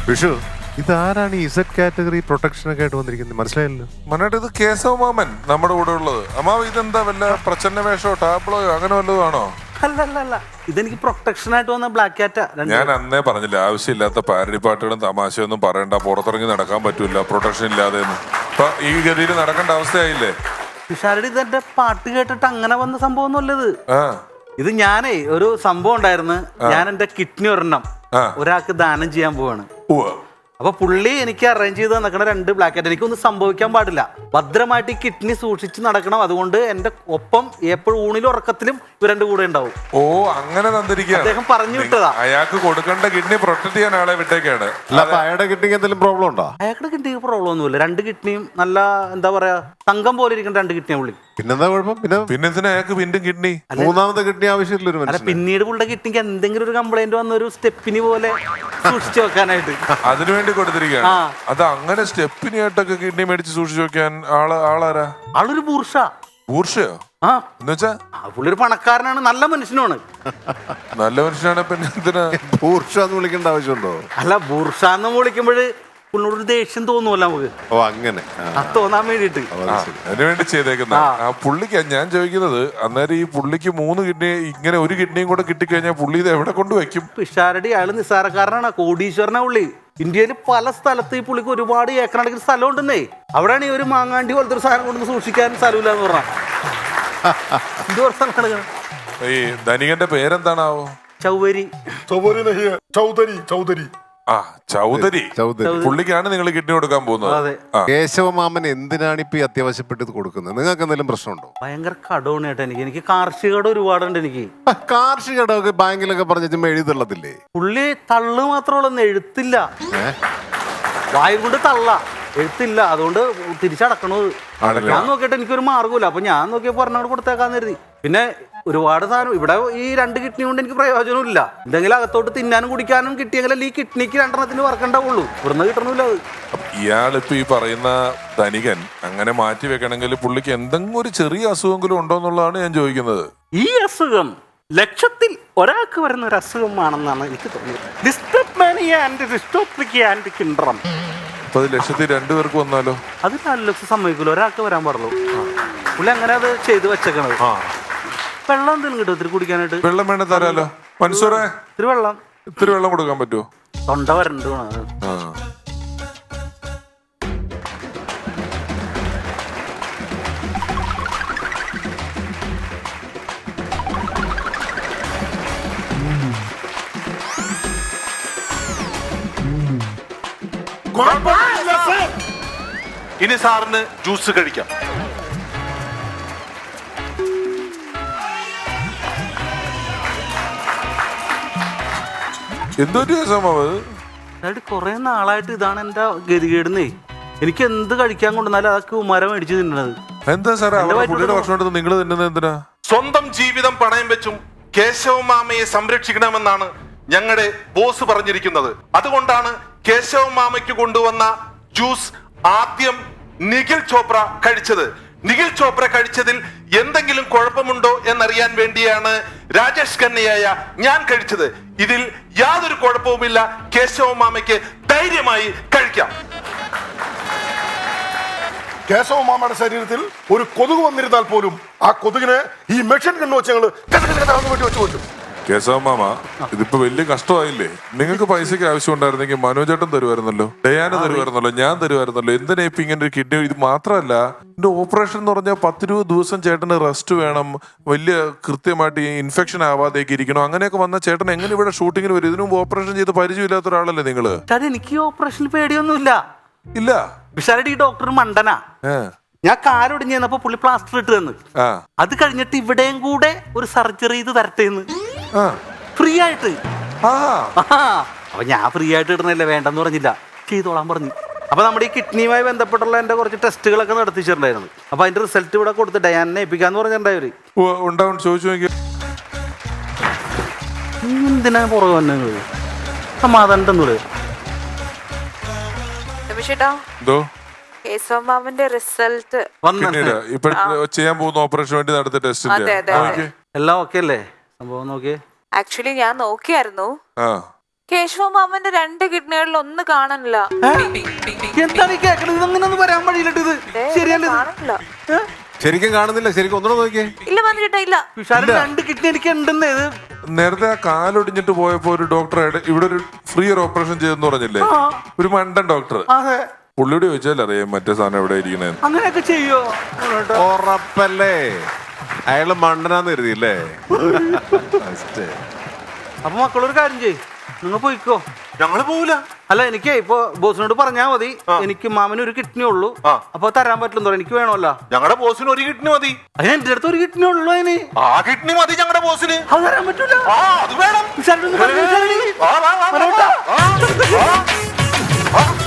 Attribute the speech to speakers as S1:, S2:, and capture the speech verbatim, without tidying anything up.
S1: വിഷു ഇതാരാണ് ഈ Z category protection ഒക്കെ ആയിട്ട് വന്നിരിക്കുന്നത്? മനസ്സിലായല്ലോ.
S2: മനായിട്ട് ഇത് കേശവ മാമൻ നമ്മുടെ കൂടെ ഉള്ളത്. അമ്മാവ് ഇതെന്താ വല്ല പ്രച്ഛന്ന വേഷോ ടാബ്ലോയോ അങ്ങനെ വല്ലതും ആണോ?
S3: അല്ലല്ല, ഇതെനിക്ക് പ്രൊട്ടക്ഷൻ ആയിട്ട് വന്ന ബ്ലാക്ക് കാറ്റാ.
S2: ഞാൻ അന്നേ പറഞ്ഞില്ല, ആവശ്യമില്ലാത്ത പാരഡി പാട്ടുകളും തമാശയൊന്നും പറയണ്ട, പുറത്തിറങ്ങി നടക്കാൻ പറ്റൂല പ്രൊട്ടക്ഷൻ ഇല്ലാതെ. ഇപ്പൊ ഈ ഗതിയിൽ നടക്കേണ്ട അവസ്ഥയായില്ലേ?
S3: പിഷാരടി ഇതെന്റെ പാട്ട് കേട്ടിട്ട് അങ്ങനെ വന്ന സംഭവം ഒന്നുമല്ലത്.
S2: ആ
S3: ഇത് ഞാനേ ഒരു സംഭവം ഉണ്ടായിരുന്നു. ഞാൻ എന്റെ കിഡ്നി ഒരെണ്ണം ഒരാൾക്ക് ദാനം ചെയ്യാൻ പോവാണ്. അപ്പൊ പുള്ളി എനിക്ക് അറേഞ്ച് ചെയ്ത് തന്നിക്കണ രണ്ട് ബ്ലാക്ക് കാറ്റ്. എനിക്കൊന്നും സംഭവിക്കാൻ പാടില്ല, ഭദ്രമായിട്ട് ഈ കിഡ്നി സൂക്ഷിച്ച് നടക്കണം. അതുകൊണ്ട് എന്റെ ഒപ്പം എപ്പോഴും ഊണിലും ഉറക്കത്തിലും ഇവരുടെ കൂടെ ഉണ്ടാവും.
S2: ഓ അങ്ങനെ തന്നിരിക്കുക.
S3: അദ്ദേഹം പറഞ്ഞു വിട്ടതാ.
S2: അയാൾക്ക് കൊടുക്കേണ്ട കിഡ്നി പ്രൊട്ടക്ട് ചെയ്യാൻ ആളെ വിട്ടേക്കാണ്.
S1: അയാളുടെ കിഡ്നിക്ക് എന്തെങ്കിലും പ്രോബ്ലം ഉണ്ടോ?
S3: അയാളുടെ കിഡ്നിക്ക് പ്രോബ്ലം ഒന്നുമില്ല. രണ്ട് കിഡ്നിയും നല്ല എന്താ പറയാ തങ്കം പോലെ ഇരിക്കുന്ന രണ്ട് കിഡ്നിയാ പുള്ളി.
S1: പിന്നെന്താ കുഴപ്പം? പിന്നെ
S2: പിന്നെ എന്തിനാ അയാൾക്ക് വീണ്ടും കിഡ്നി?
S1: മൂന്നാമത്തെ കിഡ്നി ആവശ്യമില്ല ഒരു
S3: അല്ല,
S1: മനുഷ്യന്.
S3: പിന്നീട് പുള്ളിയുടെ കിഡ്നിക്ക് എന്തെങ്കിലും ഒരു കംപ്ലൈന്റ് വന്ന ഒരു സ്റ്റെപ്പിനി പോലെ സൂക്ഷിച്ചു വെക്കാനായിട്ട്
S2: അതിനുവേണ്ടി കൊടുത്തിരിക്കുകയാണ്. അത് അങ്ങനെ സ്റ്റെപ്പിനി ആയിട്ടൊക്കെ കിഡ്നി മേടിച്ച് സൂക്ഷിച്ചു വെക്കാൻ ആള് ആളാരാ?
S3: ആളൊരു ബൂർഷ.
S2: ബൂർഷയോ?
S3: ആ
S2: എന്നുവെച്ചാ
S3: പുള്ളി ഒരു പണക്കാരനാണ്, നല്ല മനുഷ്യനാണ്.
S2: നല്ല മനുഷ്യനാണ്. പിന്നെ എന്തിനാ
S1: ബൂർഷ എന്ന് വിളിക്കേണ്ട ആവശ്യമുണ്ടോ?
S3: അല്ല, ബൂർഷ എന്ന് വിളിക്കുമ്പോൾ പുള്ളിയോട് ദേഷ്യം തോന്നുമല്ല നമുക്ക്.
S1: ഓ അങ്ങനെ
S3: അത് തോന്നാൻ വേണ്ടിട്ട്
S2: അതിനുവേണ്ടി ചെയ്തേക്കുന്ന ആ പുള്ളിക്ക് ഞാൻ ചോദിക്കുന്നത്, അന്നേരം ഈ പുള്ളിക്ക് മൂന്ന് കിഡ്നി ഇങ്ങനെ ഒരു കിഡ്നിയും കൂടെ കിട്ടിക്കഴിഞ്ഞാൽ പുള്ളി ഇത് എവിടെ കൊണ്ട് വെക്കും?
S3: പിഷാരടി അയാള് നിസ്സാരക്കാരനാണ്, കോടീശ്വരനാ പുള്ളി. ഇന്ത്യയിൽ പല സ്ഥലത്ത് ഈ പുള്ളിക്ക് ഒരുപാട് ഏക്കറടക്കുന്ന സ്ഥലം ഉണ്ടെന്നേ. അവിടെയാണ് ഈ ഒരു മാങ്ങാണ്ടി പോലത്തെ ഒരു സാധനം കൊണ്ടു സൂക്ഷിക്കാൻ സ്ഥലമില്ല എന്ന് പറഞ്ഞാൽ.
S2: ഈ ധനികന്റെ പേരെന്താണാവോ?
S3: ചൗവരി.
S4: ചൗധരി ചൗധരി
S2: ആ ചൗധരി.
S1: ചൗധരി
S2: പുള്ളിക്കാണ് നിങ്ങൾ കിഡ്നി കൊടുക്കാൻ പോകുന്നത്.
S1: കേശവമാമൻ എന്തിനാണ് ഇപ്പൊ ഈ അത്യാവശ്യപ്പെട്ട് ഇത് കൊടുക്കുന്നത്? നിങ്ങൾക്ക് എന്തെങ്കിലും പ്രശ്നമുണ്ടോ?
S3: ഭയങ്കര കടമാണ് കേട്ടോ എനിക്ക്. എനിക്ക് കാർഷിക കടം ഒരുപാടുണ്ട് എനിക്ക്.
S1: കാർഷിക കടമൊക്കെ ബാങ്കിലൊക്കെ പറഞ്ഞ എഴുതുള്ളതില്ലേ?
S3: പുള്ളി തള്ളു മാത്രമുള്ള എഴുത്തില്ല, വായു കൊണ്ട് തള്ള എഴുത്തില്ല. അതുകൊണ്ട് തിരിച്ചടക്കണത്. ഞാൻ നോക്കിയിട്ട് എനിക്കൊരു മാർഗമില്ല. അപ്പൊ ഞാൻ നോക്കിയപ്പോ പറഞ്ഞോട് കൊടുത്തേക്കാന്ന് കരുതി. പിന്നെ ഒരുപാട് സാധനം ഇവിടെ ഈ രണ്ട് കിഡ്നി കൊണ്ട് എനിക്ക് പ്രയോജനമില്ല. എന്തെങ്കിലും അകത്തോട്ട് തിന്നാനും കുടിക്കാനും കിട്ടിയെങ്കിൽ ഈ കിഡ്നിക്ക് രണ്ടെണ്ണത്തിന് വർക്കണ്ടാവുള്ളൂ. ഇവിടുന്ന് കിട്ടണമില്ല അത്.
S2: ഇയാളിപ്പോ ഈ പറയുന്ന ധനികൻ അങ്ങനെ മാറ്റി വെക്കണമെങ്കിൽ പുള്ളിക്ക് എന്തെങ്കിലും ഒരു ചെറിയ അസുഖമെങ്കിലും ഉണ്ടോ എന്നുള്ളതാണ് ഞാൻ ചോദിക്കുന്നത്.
S3: ഈ അസുഖം ലക്ഷത്തിൽ ഒരാൾക്ക് വരുന്ന ഒരു അസുഖമാണെന്നാണ് എനിക്ക് തോന്നുന്നത്. Distriptomania and dystrophic and syndrome.
S2: അപ്പൊ അത് ലക്ഷത്തിൽ രണ്ടുപേർക്ക് വന്നാലോ?
S3: അത് നാല് ലക്ഷം സമ്മതിക്കില്ല, ഒരാൾക്ക് വരാൻ പാടുള്ളൂ. പുള്ളി അങ്ങനെ അത് ചെയ്ത് വെച്ചേക്കണത്. വെള്ളം എന്തെങ്കിലും കിട്ടും ഇത്തിരി കുടിക്കാനായിട്ട്?
S2: വെള്ളം വേണേ തരാലോ. മൻസൂറേ,
S3: ഇത്തിരി വെള്ളം
S2: ഇത്തിരി വെള്ളം കൊടുക്കാൻ പറ്റുമോ?
S3: തൊണ്ട വരണ്ട്.
S5: ഇനി സാറിന് ജ്യൂസ് കഴിക്കാം.
S2: എന്തൊരു
S3: കൊറേ നാളായിട്ട് ഇതാണ് എന്റെ ഗതികേടുന്നേ. എനിക്ക് എന്ത് കഴിക്കാൻ കൊണ്ടുവന്നാലും അതൊക്കെ ഉമാര മേടിച്ച് തിന്നണത്.
S2: എന്താ സാറേ പുള്ളിയുടെ ഭക്ഷണം നിങ്ങൾ തിന്നുന്നത് എന്തിനാ?
S5: സ്വന്തം ജീവിതം പണയം വെച്ചും കേശവ മാമയെ സംരക്ഷിക്കണമെന്നാണ് ഞങ്ങളുടെ ബോസ് പറഞ്ഞിരിക്കുന്നത്. അതുകൊണ്ടാണ് കേശവ മാമയ്ക്ക് കൊണ്ടുവന്ന ജ്യൂസ് ആദ്യം നിഖിൽ ചോപ്ര കഴിച്ചത്. നിഖിൽ ചോപ്ര കഴിച്ചതിൽ എന്തെങ്കിലും കുഴപ്പമുണ്ടോ എന്നറിയാൻ വേണ്ടിയാണ് രാജേഷ് ഖന്നയായ ഞാൻ കഴിച്ചത്. ഇതിൽ യാതൊരു കുഴപ്പവുമില്ല. കേശവ മാമയ്ക്ക് ധൈര്യമായി കഴിക്കാം.
S4: കേശവ മാമയുടെ ശരീരത്തിൽ ഒരു കൊതുക് വന്നിരുന്നാൽ പോലും ആ കൊതുകിനെ ഈ മെഷീൻ കണ്ണു വെച്ച് ഞങ്ങള് വെട്ടി വെച്ച് കൊല്ലും.
S2: കേശവ മാമ, ഇതിപ്പോ വലിയ കഷ്ടമായില്ലേ? നിങ്ങൾക്ക് പൈസക്ക് ആവശ്യം ഉണ്ടായിരുന്നെങ്കിൽ മനോജേട്ടൻ തരുമായിരുന്നല്ലോ, ഡയാന തരുമായിരുന്നല്ലോ, ഞാൻ തരുമായിരുന്നല്ലോ. എന്തിനാ ഇപ്പൊ ഇങ്ങനെ ഒരു കിഡ്നി? ഇത് മാത്രമല്ല, എന്റെ ഓപ്പറേഷൻ എന്ന് പറഞ്ഞാൽ പത്തിരുപത് ദിവസം ചേട്ടന് റെസ്റ്റ് വേണം, വലിയ കൃത്യമായിട്ട് ഇൻഫെക്ഷൻ ആവാതേക്ക് ഇരിക്കണം. അങ്ങനെയൊക്കെ വന്ന ചേട്ടൻ എങ്ങനെ ഇവിടെ ഷൂട്ടിങ്ങിന് വരും? ഇതിനു മുമ്പ് ഓപ്പറേഷൻ ചെയ്ത് പരിചയമില്ലാത്ത ഒരാളല്ലേ നിങ്ങള്?
S3: എനിക്ക് ഓപ്പറേഷനിൽ പേടിയൊന്നുമില്ല.
S2: ഇല്ല,
S3: വിശാലടി ഡോക്ടർ മണ്ടനാ. ഞാൻ കാലൊടിഞ്ഞ് ചെന്നപ്പോ പുള്ളി പ്ലാസ്റ്റർ ഇട്ട് തന്നു. അത് കഴിഞ്ഞിട്ട് ഇവിടെയും കൂടെ ഒരു സർജറി ചെയ്ത് തരട്ടേന്ന് ഫ്രീ ആയിട്ട്. അപ്പൊ ഞാൻ ഫ്രീ ആയിട്ട് ഇടുന്നില്ല, വേണ്ടെന്ന് പറഞ്ഞില്ല, ചെയ്തോളാൻ പറഞ്ഞു. അപ്പൊ നമ്മുടെ ഈ കിഡ്നിയുമായി ബന്ധപ്പെട്ടുള്ള എന്റെ കുറച്ച് ടെസ്റ്റുകളൊക്കെ നടത്തിച്ചിട്ടുണ്ടായിരുന്നു. അപ്പൊ അതിന്റെ റിസൾട്ട് ഇവിടെ കൊടുത്ത് ഡയാനെ ഏൽപ്പിക്കാന്ന് പറഞ്ഞിട്ടുണ്ടായവര്.
S2: ഉണ്ടാവും, ചോദിച്ചു നോക്കി.
S3: എന്തിനാ പുറകെ വന്നത്? സമാധാനം
S6: റിസൾട്ട്
S2: ചെയ്യാൻ പോകുന്ന ഓപ്പറേഷൻ വേണ്ടി നടത്തിയ ടെസ്റ്റ്
S3: എല്ലാം ഓക്കെ അല്ലേ? സംഭവം നോക്കിയേ.
S6: ആക്ച്വലി ഞാൻ നോക്കിയായിരുന്നു. കേശവ മാമന്റെ രണ്ട് കിഡ്നികളിൽ ഒന്ന് കാണാനില്ല.
S3: എന്താണ് ഈ കേക്കണത്? അങ്ങനെ ഒന്നും വരാൻ വഴിയിലിട്ട് ഇത് ശരിയല്ല.
S6: കാണാനില്ല.
S1: ശരിക്കും കാണുന്നില്ല, ശരിക്കും ഒന്നുകൂടെ നോക്കിയേ.
S6: ഇല്ല വന്നു ചേട്ടാ, ഇല്ല.
S3: വിശാലം രണ്ട് കിഡ്നി എനിക്ക് ഉണ്ടെന്ന്. ഇത്
S2: നേരത്തെ ആ കാലൊടിഞ്ഞിട്ട് പോയപ്പോ ഒരു ഡോക്ടർ ഇവിടെ ഒരു ഫ്രീ ഒരു ഓപ്പറേഷൻ ചെയ്തെന്ന് പറഞ്ഞില്ലേ, ഒരു മണ്ടൻ ഡോക്ടർ.
S3: അതെ,
S2: പുള്ളിയോട് ചോദിച്ചാൽ അറിയാം മറ്റേ സാധനം എവിടെ ഇരിക്കണേന്ന്.
S3: അങ്ങനെയൊക്കെ ചെയ്യോ?
S1: ഉറപ്പല്ലേ അയാള് മണ്ടനാന്ന് കരുതിയില്ലേ?
S3: അപ്പൊ മക്കളൊരു കാര്യം ചെയ്യ്, നിങ്ങൾ പോയിക്കോ.
S5: ഞങ്ങള് പോവില്ല.
S3: അല്ല, എനിക്ക് ഇപ്പൊ ബോസിനോട് പറഞ്ഞാ മതി, എനിക്ക് മാമന് ഒരു കിഡ്നി ഉള്ളൂ, അപ്പൊ തരാൻ പറ്റില്ലെന്ന് പറയാം. എനിക്ക് വേണമല്ലോ.
S5: ഞങ്ങളുടെ ബോസിന് ഒരു കിഡ്നി മതി.
S3: അതിന് എന്റെ അടുത്ത് ഒരു കിഡ്നി ഉള്ളൂ. അതിന്
S5: ആ കിഡ്നി മതി ഞങ്ങളുടെ ബോസിന്.
S3: അത് തരാൻ പറ്റൂല.
S5: ആ അത് വേണം.
S3: വിശാലിനൊന്ന് പറഞ്ഞു, വിശാലിന്.
S5: ആ, വാ, വാ, വാ, വാ. ആ, ആ.